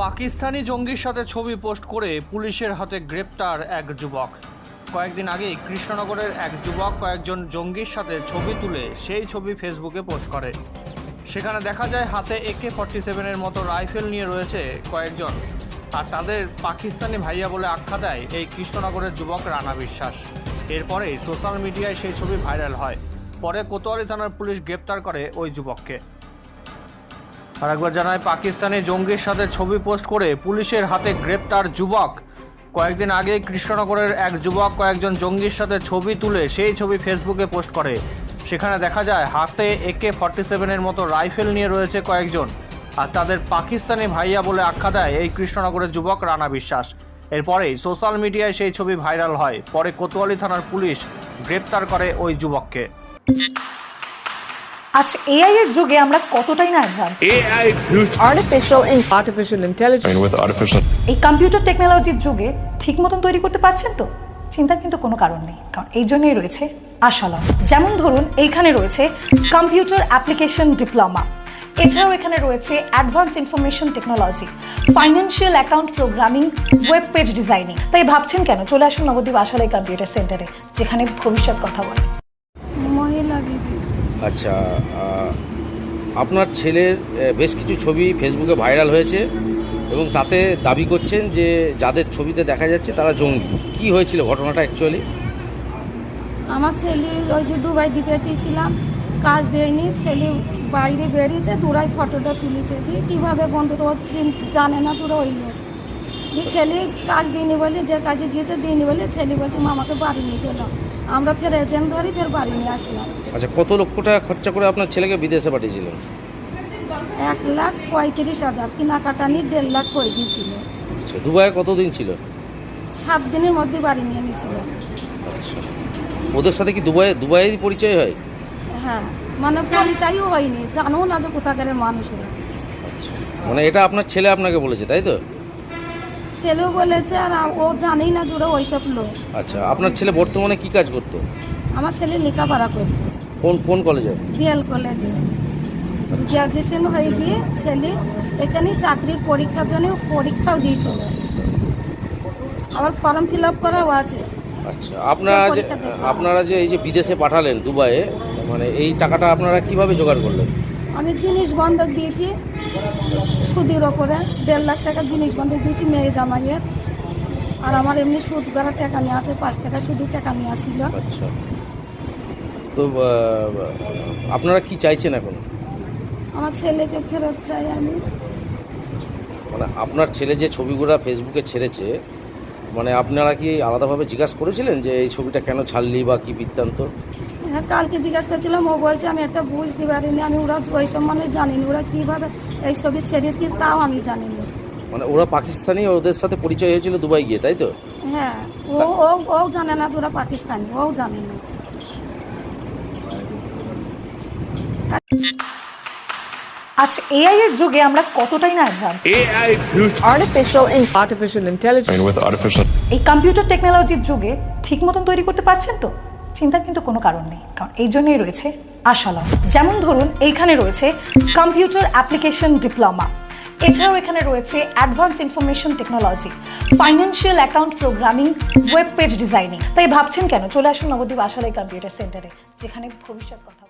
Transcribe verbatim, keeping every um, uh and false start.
পাকিস্তানি জঙ্গির সাথে ছবি পোস্ট করে পুলিশের হাতে গ্রেপ্তার এক যুবক। কয়েকদিন আগেই কৃষ্ণনগরের এক যুবক কয়েকজন জঙ্গির সাথে ছবি তুলে সেই ছবি ফেসবুকে পোস্ট করে। সেখানে দেখা যায় হাতে একে ফর্টি সেভেনের মতো রাইফেল নিয়ে রয়েছে কয়েকজন, আর তাদের পাকিস্তানি ভাইয়া বলে আখ্যা দেয় এই কৃষ্ণনগরের যুবক রানা বিশ্বাস। এরপরেই সোশ্যাল মিডিয়ায় সেই ছবি ভাইরাল হয়। পরে কোতোয়ালি থানার পুলিশ গ্রেপ্তার করে ওই যুবককে। আর একবার জানায়, পাকিস্তানি জঙ্গির সাথে ছবি পোস্ট করে পুলিশের হাতে গ্রেপ্তার যুবক। কয়েকদিন আগে কৃষ্ণনগরের এক যুবক কয়েকজন জঙ্গির সাথে ছবি তুলে সেই ছবি ফেসবুকে পোস্ট করে। সেখানে দেখা যায় হাতে একে ফর্টি সেভেনের মতো রাইফেল নিয়ে রয়েছে কয়েকজন, আর তাদের পাকিস্তানি ভাইয়া বলে আখ্যা দেয় এই কৃষ্ণনগরের যুবক রানা বিশ্বাস। এরপরেই সোশ্যাল মিডিয়ায় সেই ছবি ভাইরাল হয়। পরে কোতোয়ালি থানার পুলিশ গ্রেপ্তার করে ওই যুবককে। আচ্ছা, এআই এর যুগে আমরা কতটাই না advance. AI artificial artificial intelligence with artificial এই কম্পিউটার টেকনোলজির যুগে ঠিক মতন তৈরি করতে পারছেন তো? চিন্তার কিন্তু কোনো কারণ নেই, কারণ এই জন্যই রয়েছে আশালম। যেমন ধরুন, এইখানে রয়েছে কম্পিউটার অ্যাপ্লিকেশন ডিপ্লোমা, এছাড়াও এখানে রয়েছে advance information technology, financial account programming, web page designing. তাই ভাবছেন কেন? চলে আসুন নবদ্বীপ আশালয় কম্পিউটার সেন্টারে, যেখানে ভবিষ্যৎ কথা বলে। মহিলা দিদি। আচ্ছা, আপনার ছেলের বেশ কিছু ছবি ফেসবুকে ভাইরাল হয়েছে এবং তাতে দাবি করছেন যে যাদের ছবিতে দেখা যাচ্ছে তারা জঙ্গি। কি হয়েছিল ঘটনাটা অ্যাকচুয়ালি? আমার ছেলে ওই যে দুবাই দিতে ছিলাম, কাজ দেয়নি, ছেলে বাইরে বেরিয়েছে, তোরাই ফটোটা তুলেছে। দিয়ে কীভাবে বন্ধু তো জানে না তোরা ওই লোক। দিয়ে ছেলে কাজ দিইনি বলে, যে কাজে গিয়েছে দিইনি বলে ছেলে বলছে মামাকে বাড়ি নিয়ে চলো। আমরা ফের এজেন্ট ধরি ফের বাড়ি নিয়ে আসলাম। আচ্ছা, কত লক্ষ টাকা খরচা করে আপনার ছেলেকে বিদেশে পাঠিয়েছিলেন? এক লাখ পঁয়ত্রিশ হাজার কেনাকাটা নিয়ে দেড় লাখ করে গিয়েছিল। আচ্ছা, দুবাইয়ে কতদিন ছিল? সাত দিনের মধ্যে বাড়ি নিয়ে নিয়েছিল। আচ্ছা, ওদের সাথে কি দুবাই দুবাইয়ের পরিচয় হয়? হ্যাঁ, মানে পরিচয়ও হয়নি, জানো না যে কোথাকারের মানুষরা। আচ্ছা, মানে এটা আপনার ছেলে আপনাকে বলেছে, তাই তো? ছেলেও বলেছে, আর ও জানেই না জুড়ে ওইসব লোক। আচ্ছা, আপনার ছেলে বর্তমানে কি কাজ করতো? আমার ছেলে লেখাপড়া করতো কোন কোন কলেজে? ডিএল কলেজে। গ্র্যাজুয়েশন হয়ে গিয়ে ছেলে এখানে চাকরির পরীক্ষার জন্য পরীক্ষাও দিয়েছিল, আবার ফর্ম ফিল আপ করাও আছে। আচ্ছা, আপনারা যে আপনারা যে এই যে বিদেশে পাঠালেন দুবাইয়ে, মানে এই টাকাটা আপনারা কিভাবে জোগাড় করলেন? আমি জিনিস বন্ধক দিয়েছি সুদের ওপরে, দেড় লাখ টাকা জিনিস বন্ধক দিয়েছি মেয়ে জামাইয়ের। আর আমার এমনি সুদ করা টাকা নিয়ে আছে, পাঁচ টাকা সুদের টাকা নেওয়া ছিল। আচ্ছা, তো আপনারা কি চাইছেন এখন? আমার ছেলেকে ফেরত চাই আমি। মানে আপনার ছেলে যে ছবিগুলো ফেসবুকে ছেড়েছে, মানে আপনারা কি আলাদাভাবে জিজ্ঞাসা করেছিলেন যে এই ছবিটা কেন ছাড়লি বা কি বৃত্তান্ত? হ্যাঁ, কালকে জিজ্ঞাসা করছিলাম, ও বলছে আমি একটা বুঝতে পারিনি, আমি ওরা ওই সব মানুষ জানিনি ওরা কীভাবে এই ছবি ছেড়েছি, তাও আমি জানিনি। মানে ওরা পাকিস্তানি, ওদের সাথে পরিচয় হয়েছিল দুবাই গিয়ে, তাই তো? হ্যাঁ, ও ও ও জানে না যে ওরা পাকিস্তানি, ও জানে না। আচ্ছা, এআই এর যুগে আমরা কতটাই না advance. AI artificial artificial intelligence with artificial এই কম্পিউটার টেকনোলজির যুগে ঠিক মতন তৈরি করতে পারছেন তো? চিন্তার কিন্তু কোনো কারণ নেই, কারণ এই জন্যই রয়েছে আশালম। যেমন ধরুন, এইখানে রয়েছে কম্পিউটার অ্যাপ্লিকেশন ডিপ্লোমা, এছাড়াও এখানে রয়েছে advance information technology, financial account programming, web page designing. তাই ভাবছেন কেন? চলে আসুন নবদ্বীপ আশালয় কম্পিউটার সেন্টারে, যেখানে ভবিষ্যৎ কথা।